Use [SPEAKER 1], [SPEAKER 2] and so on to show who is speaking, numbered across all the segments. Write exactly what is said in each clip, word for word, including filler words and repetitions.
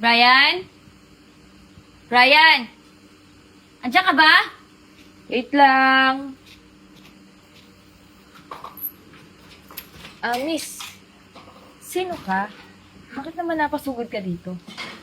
[SPEAKER 1] Brian? Brian? Andiyan ka ba?
[SPEAKER 2] Wait lang. Ah, miss. Sino ka? Bakit naman napasugod ka dito?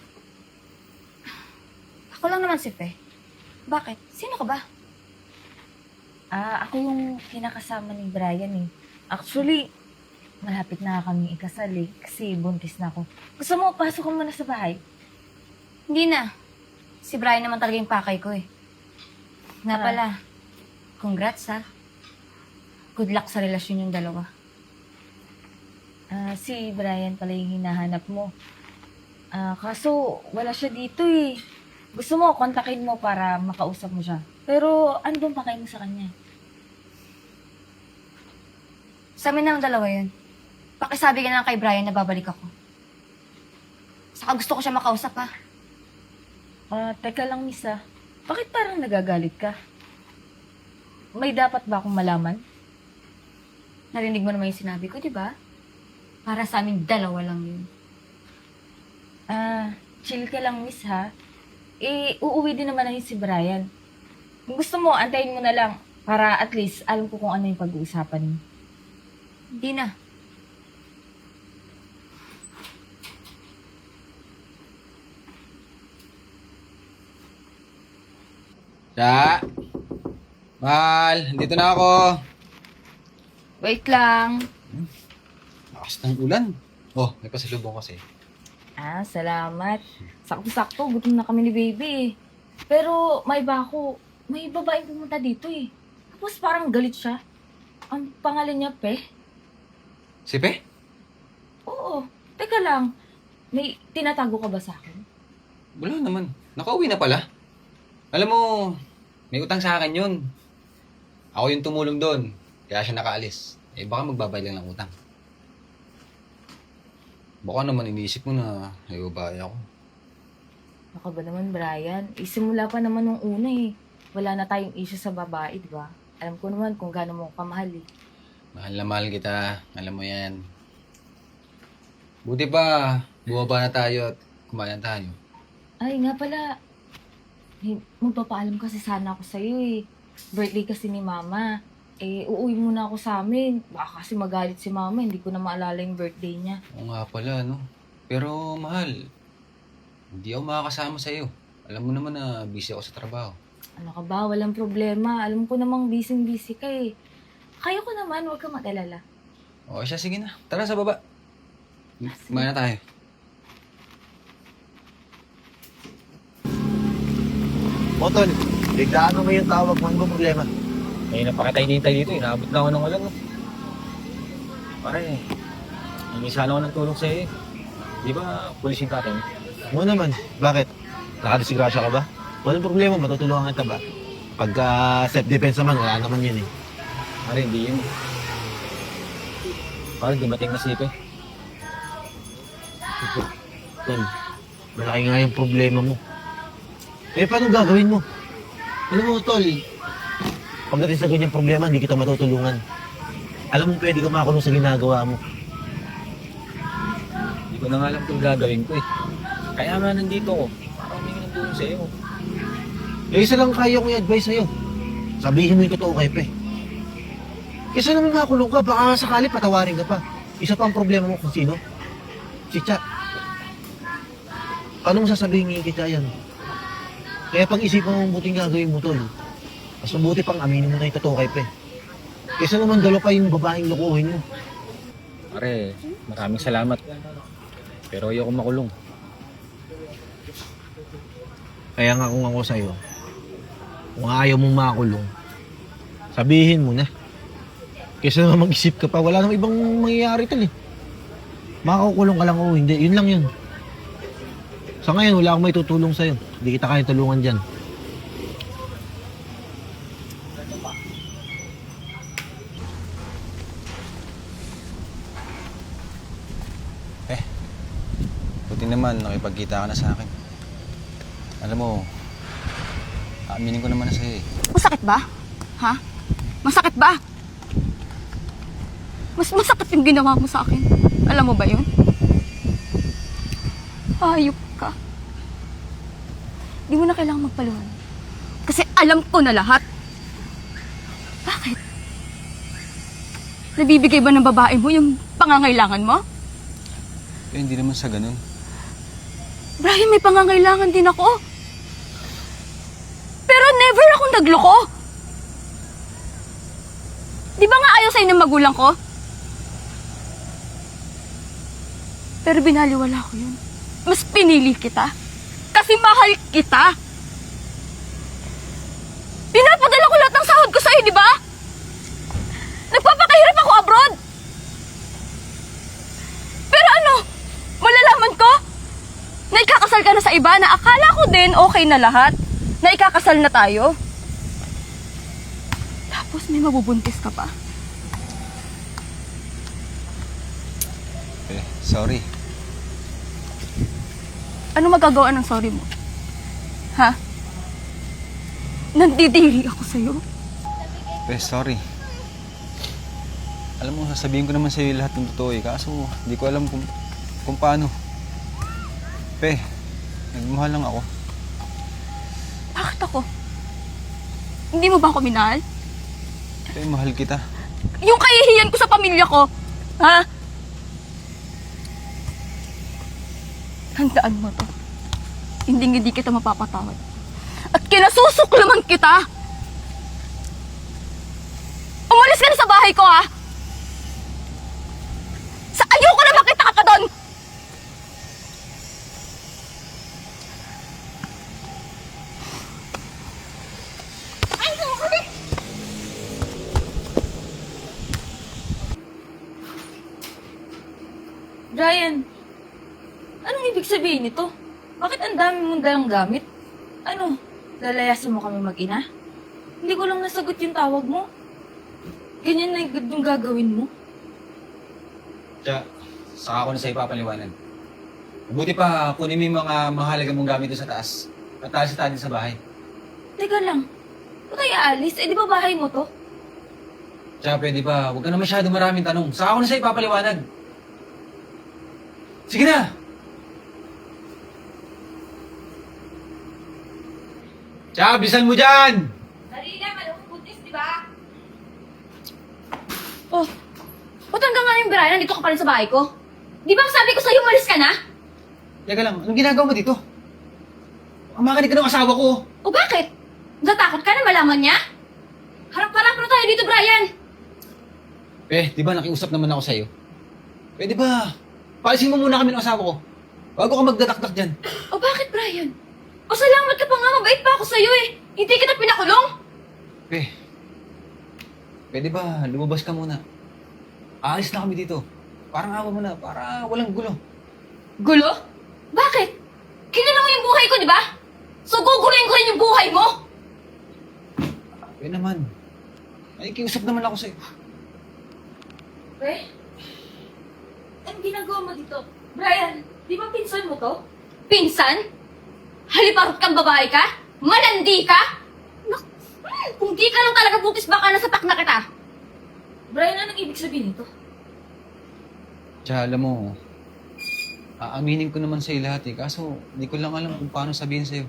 [SPEAKER 1] Ako lang naman si Fe. Bakit? Sino ka ba?
[SPEAKER 2] Ah, ako yung kinakasama ni Brian eh. Actually, malapit na kami ikasal eh. Kasi buntis na ako. Gusto mo, pasok ka muna sa bahay.
[SPEAKER 1] Hindi na. Si Brian naman talaga yung pakay ko eh. Nga
[SPEAKER 2] Ah.
[SPEAKER 1] pala, congrats ha. Good luck sa relasyon yung dalawa.
[SPEAKER 2] Ah, si Brian pala yung hinahanap mo. Ah, kaso wala siya dito eh. Gusto mo, kontakin mo para makausap mo siya. Pero ano bang pakay mo sa kanya?
[SPEAKER 1] Sa amin naman dalawa yun. Pakisabi ka na lang kay Brian na babalik ako. Saka gusto ko siya makausap ha.
[SPEAKER 2] Ah, teka lang, miss ah. Bakit parang nagagalit ka? May dapat ba akong malaman?
[SPEAKER 1] Narinig mo naman yung sinabi ko, di ba? Para sa amin dalawa lang yun.
[SPEAKER 2] Ah, chill ka lang, miss ha. Eh, uuwi din naman na yun si Brian. Kung gusto mo, antayin mo na lang para at least alam ko kung ano yung pag-uusapan niyo.
[SPEAKER 1] Hindi na.
[SPEAKER 3] Siya! Mahal, dito na ako.
[SPEAKER 1] Wait lang.
[SPEAKER 3] Lakas ng ulan. Oh, may pasalubong kasi.
[SPEAKER 2] Ah, salamat. Sakto-sakto, gutom na kami ni baby eh. Pero may iba ako, may babaeng pumunta dito eh. Tapos parang galit siya. Ang pangalan niya, Pe.
[SPEAKER 3] Si Pe?
[SPEAKER 2] Oo, teka lang. May tinatago ka ba sa akin?
[SPEAKER 3] Wala naman. Nakauwi na pala. Alam mo, may utang sa akin yun. Ako yung tumulong doon. Kaya siya nakaalis. Eh baka magbabayad lang ng utang. Baka naman iniisip mo na ay babae ako.
[SPEAKER 2] Baka ba naman, Brian? Isimula pa naman nung una eh. Wala na tayong issue sa babae, di ba? Alam ko naman kung gaano mo kamahal eh.
[SPEAKER 3] Mahal na mahal kita. Alam mo yan. Buti pa, bumaba na tayo at kumain tayo.
[SPEAKER 2] Ay, nga pala. Eh, magpapaalam kasi sana ako sa'yo eh. Birthday kasi ni Mama. Eh, uuwi muna ako sa amin. Baka kasi magalit si Mama, hindi ko na maalala yung birthday niya.
[SPEAKER 3] Oo nga pala, no? Pero mahal, hindi ako makakasama sa'yo. Alam mo naman na busy ako sa trabaho.
[SPEAKER 2] Ano ka ba? Walang problema. Alam ko namang busy-busy ka eh. Kaya ko naman, huwag kang mag-alala.
[SPEAKER 3] O siya, sige na. Tara sa baba. Kumain na tayo.
[SPEAKER 4] Motol, biglaan mo yung tawag mo, ano ba problema?
[SPEAKER 5] May napakitay-tintay dito, inaabot na ako ng ulan. No? Pare, hindi sana ako ng tulong sa'yo eh. Di ba, pulis yung tatay mo?
[SPEAKER 4] Mo naman, bakit? Nakadisgrasya ka ba? Walang problema, matutulungan kita ba? Pagka self-defense naman, wala naman yun eh.
[SPEAKER 5] Pare, hindi yun. Pare, dumating na sipe.
[SPEAKER 4] Tol, malaki nga yung problema mo. Eh, paano gagawin mo? Alam mo, Tol, pagdating sa ganyang problema, hindi kita matutulungan. Alam mo, pwede ka makulong sa ginagawa mo.
[SPEAKER 5] Hindi ko na nga alam kung gagawin ko eh. Kaya nga nandito ako, para humingi ng tulong sa'yo.
[SPEAKER 4] Eh, isa lang kaya kong i-advise sa'yo. Sabihin mo yung totoo kay Pe. Kesa naman makulong ka, baka sakali patawarin ka pa. Isa pa ang problema mo kung sino? Si Cha. Paano mo sasabihin ngayon kita yan? Kaya pag-isipan mo buting gagawin mo, Tol. Mas mabuti pang aminin mo na yung totoo kay Pe. Kesa naman dalawa pa yung babaeng lukuhin mo.
[SPEAKER 5] Pare, maraming salamat. Pero ayoko makulong.
[SPEAKER 4] Kaya nga kung ako sa'yo, kung ayaw mong makulong, sabihin mo na. Kesa naman mag-isip ka pa, wala namang ibang mangyayari, Tol eh. Makakukulong ka lang o hindi, yun lang yun. Sa ngayon, wala akong may tutulong sa'yo. Hindi kita kaya tulungan dyan.
[SPEAKER 3] Eh, buti naman, nakipagkita ka na sa akin. Alam mo, aaminin ko naman na sa'yo eh.
[SPEAKER 1] Masakit ba? Ha? Masakit ba? Mas masakit yung ginawa mo sa akin. Alam mo ba yun? Hayop ka. Di mo na kailangang magpaliwanag. Kasi alam ko na lahat. Bakit? Nabibigay ba ng babae mo yung pangangailangan mo?
[SPEAKER 3] Eh, hindi naman sa ganun.
[SPEAKER 1] Brian, may pangangailangan din ako. Pero never akong nagloko. Di ba nga ayaw sa'yo ng magulang ko? Pero binaliwala ko yun. Mas pinili kita. Kasi mahal kita. Pinapadala ko lahat ng sahod ko sa'yo, di ba? Nagpapakahirap ako abroad. Pero ano, malalaman ko na ikakasal ka na sa iba na akala ko din okay na lahat. Na ikakasal na tayo. Tapos may mabubuntis ka pa.
[SPEAKER 3] Eh, sorry.
[SPEAKER 1] Ano magagawa ng sorry mo? Ha? Nandidiri ako sa'yo.
[SPEAKER 3] Eh, sorry. Alam mo, sasabihin ko naman sa'yo lahat ng totoo eh. Kaso, hindi ko alam kung, kung paano. Pe, nagmahal lang ako.
[SPEAKER 1] Bakit ako? Hindi mo ba ako minahal?
[SPEAKER 3] Pe, mahal kita.
[SPEAKER 1] Yung kahihiyan ko sa pamilya ko, ha? Tandaan mo to. Hindi hindi kita mapapatawad. At kinasusuklaman kita! Umalis ka na sa bahay ko, ha? Sa ayoko na makita ka pa doon!
[SPEAKER 2] Brian, anong ibig sabihin nito? Bakit ang dami mong dalang gamit? Ano, lalayasan mo kami mag-ina? Hindi ko lang nasagot yung tawag mo. Ganyan na yung gagawin mo.
[SPEAKER 3] Tsaka, saka ko na sa'yo papaliwanag. Mabuti pa, kunin mo yung mga mahalaga mong gamit doon sa taas. At taas sa sa bahay.
[SPEAKER 2] Teka lang, ba't tayo aalis? Eh di ba bahay mo to?
[SPEAKER 3] Tsaka pwede pa, huwag ka na masyado maraming tanong. Saka ko na sa'yo papaliwanag. Sige na! Tsaka, bisan mo dyan!
[SPEAKER 2] Dali na, malawang buntis, di ba?
[SPEAKER 1] Oh, ba't hanggang ngayon, Brian, nandito ka pa rin sa bahay ko? Di ba sabi ko sa'yo, umalis ka na?
[SPEAKER 3] Teka lang, anong ginagawa mo dito? Ang makinig ka ng asawa ko.
[SPEAKER 1] O bakit? Natakot ka na malaman niya? Harap-harap na tayo dito, Brian!
[SPEAKER 3] Eh, di ba nakiusap naman ako sa'yo? Eh, di ba, paalisin mo muna kami ng asawa ko. Bago ka magdatakdak dyan.
[SPEAKER 1] O bakit, Brian? O salamat ka pa nga, mabait pa ako sa'yo eh. Hindi kita pinakulong.
[SPEAKER 3] Eh, pwede ba, lumabas ka muna. Aalis na kami dito. Parang awa mo na, para walang gulo.
[SPEAKER 1] Gulo? Bakit? Kinala mo yung buhay ko, di ba? So guguluhin ko rin yung buhay mo?
[SPEAKER 3] Eh naman, ay kiusap naman ako sa'yo.
[SPEAKER 2] Eh? Anong ginagawa mo dito? Brian, di ba pinsan mo to?
[SPEAKER 1] Pinsan? Haliparot kang babae ka? Malandi ka? Nak, hmm, kung di ka lang talaga butis, baka nasatak na kita.
[SPEAKER 2] Brian, anong ibig sabihin nito?
[SPEAKER 3] Tsaka alam mo, aaminin ko naman sa'yo lahat eh. Kaso, hindi ko lang alam kung paano sabihin sa'yo.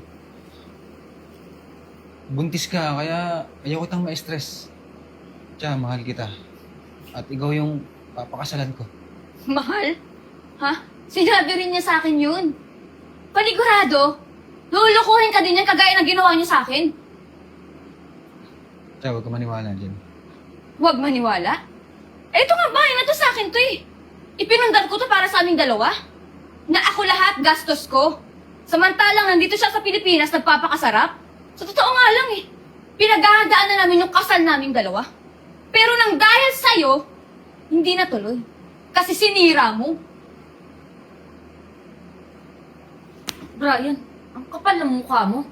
[SPEAKER 3] Buntis ka, kaya ayaw kitang ma-stress. Tsaka, mahal kita. At ikaw yung papakasalan ko.
[SPEAKER 1] Mahal? Ha? Sinabi rin niya sa akin yun. Panigurado, lulukuhin ka din yan kagaya ng ginawa niya sa akin.
[SPEAKER 3] Tsaka, huwag ka maniwala dyan.
[SPEAKER 1] Huwag maniwala. Eh, ito nga bahay na to sa akin to eh. Ipinundan ko to para sa aming dalawa. Na ako lahat gastos ko. Samantalang nandito siya sa Pilipinas nagpapakasarap. Sa totoo nga lang eh. Pinaghahandaan na namin yung kasal naming dalawa. Pero nang dahil sa'yo, hindi natuloy. Kasi sinira mo.
[SPEAKER 2] Brian, ang kapal ng mukha mo.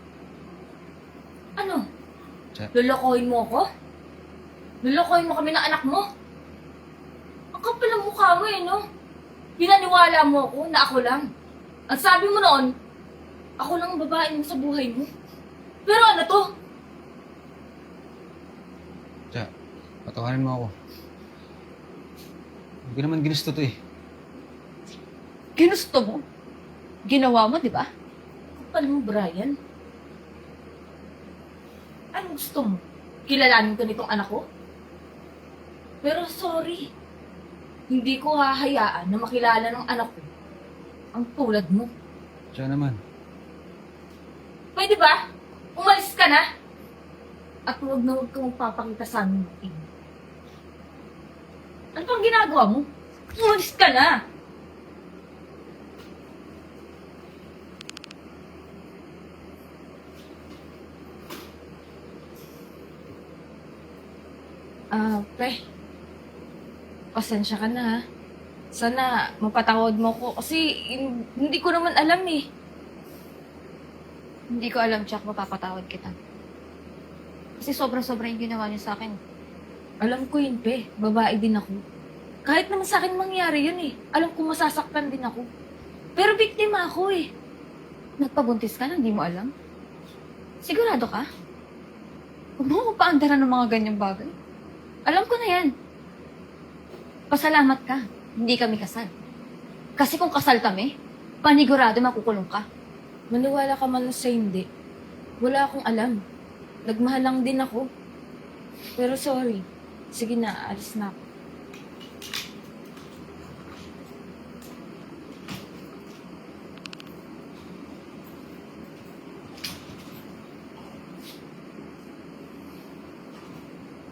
[SPEAKER 2] Ano?
[SPEAKER 3] Tsaka,
[SPEAKER 2] Lolokohin mo ako? Lolokohin mo kami ng anak mo? Ang kapal ng mukha mo eh, no? Pinaniwala mo ako na ako lang. Ang sabi mo noon, ako lang ang babae mo sa buhay mo. Pero ano to?
[SPEAKER 3] tsaka, patawarin mo ako. Hindi ko naman ginusto to eh.
[SPEAKER 1] Ginusto mo. Ginawa mo, di ba?
[SPEAKER 2] Kapal mo, Brian. Anong gusto mo? Kilalanin ko nitong anak ko? Pero sorry, hindi ko hahayaan na makilala ng anak ko ang tulad mo.
[SPEAKER 3] Siya naman.
[SPEAKER 2] Pwede ba? Umalis ka na! At huwag na huwag kang magpapakita sa amin. Ano pang ginagawa mo? Umalis ka na! Ah, pre. Pasensya ka na ha. Sana mapatawad mo ko kasi hin- hindi ko naman alam eh.
[SPEAKER 1] Hindi ko alam, Jack, mapapatawad kita. Kasi sobrang-sobra yung ginawa niya sa akin.
[SPEAKER 2] Alam ko yun, pe. Babae din ako. Kahit naman sa akin mangyari yun eh. Alam ko masasaktan din ako. Pero biktima ako eh.
[SPEAKER 1] Nagpabuntis ka na, hindi mo alam? Sigurado ka? Huwag mo ko paandaran ng mga ganyang bagay. Alam ko na yan. Pasalamat ka. Hindi kami kasal. Kasi kung kasal kami, panigurado makukulong ka.
[SPEAKER 2] Maniwala ka man sa hindi. Wala akong alam. Nagmahal lang din ako. Pero sorry. Sige na, alis na ako.